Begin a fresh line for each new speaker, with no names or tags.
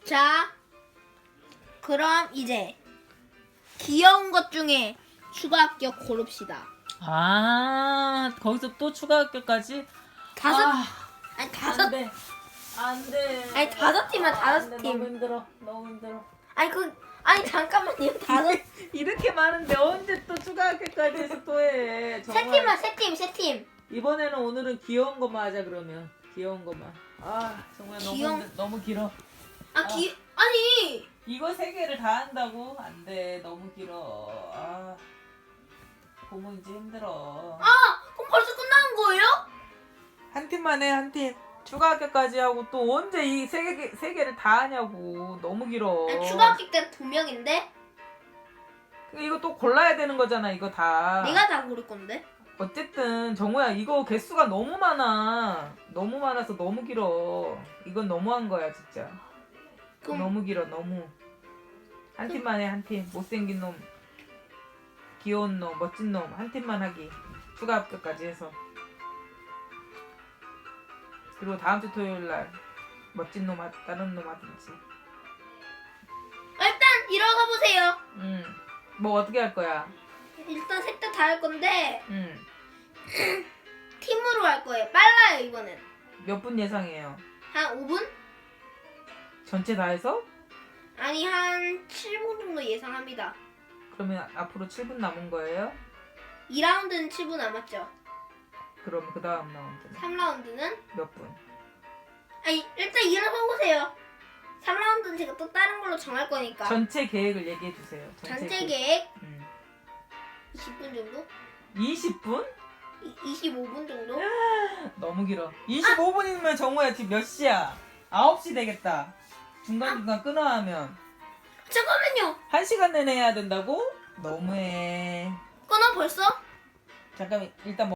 자, 그럼 이제 귀여운 것 중에 추가 합격 고릅시다.
아, 거기서 또 추가 학교까지?
다섯,
아,
아니 다섯,
안 돼. 안 돼.
아니 다섯 팀이야, 다섯
안 돼,
팀.
너무 힘들어. 너무 힘들어.
아니 잠깐만요, 다섯,
이렇게 많은데 언제 또 추가 학교까지 해서 또 해.
세
정말.
팀만, 세 팀.
이번에는 오늘은 귀여운 것만 하자 그러면. 귀여운 것만. 아, 정말 너무 길어.
아니,
이거 세 개를 다 한다고? 안 돼. 너무 길어. 아. 보면 이제 힘들어.
그럼 벌써 끝나는 거예요?
한 팀만 해, 한 팀. 추가 학교까지 하고 또 언제 이 세 개를 다 하냐고. 너무 길어.
아니, 추가 합격 때 2명인데
이거 또 골라야 되는 거잖아, 이거 다.
내가 다 고를 건데.
어쨌든 정우야, 이거 개수가 너무 많아. 너무 많아서 너무 길어. 이건 너무한 거야, 진짜.
그럼
너무 길어, 너무. 한 팀만 해, 한 팀. 못생긴 놈, 귀여운 놈, 멋진 놈 한 팀만 하기. 추가 합격까지 해서. 그리고 다음 주 토요일 날 멋진 놈 다른 놈 하든지.
일단 일어서 보세요.
뭐 어떻게 할 거야?
일단 셋 다 할 건데 팀으로 할 거예요. 빨라요 이번엔.
몇 분 예상해요?
한 5분?
전체 다 해서?
아니 한 7분 정도 예상합니다.
그러면 앞으로 7분 남은 거예요?
2라운드는 7분 남았죠.
그럼 그 다음 라운드는
3라운드는
몇 분?
아니 일단 일어서 보세요. 3라운드는 제가 또 다른 걸로 정할 거니까.
전체 계획을 얘기해 주세요.
전체 계획
20분
20분 정도?
20분?
25분 정도?
너무 길어. 25분이면 정우야 지금 몇 시야? 9시 되겠다. 중간중간 끊어 하면
잠깐만요.
1시간 내내 해야 된다고? 너무해.
끊어 벌써?
잠깐 일단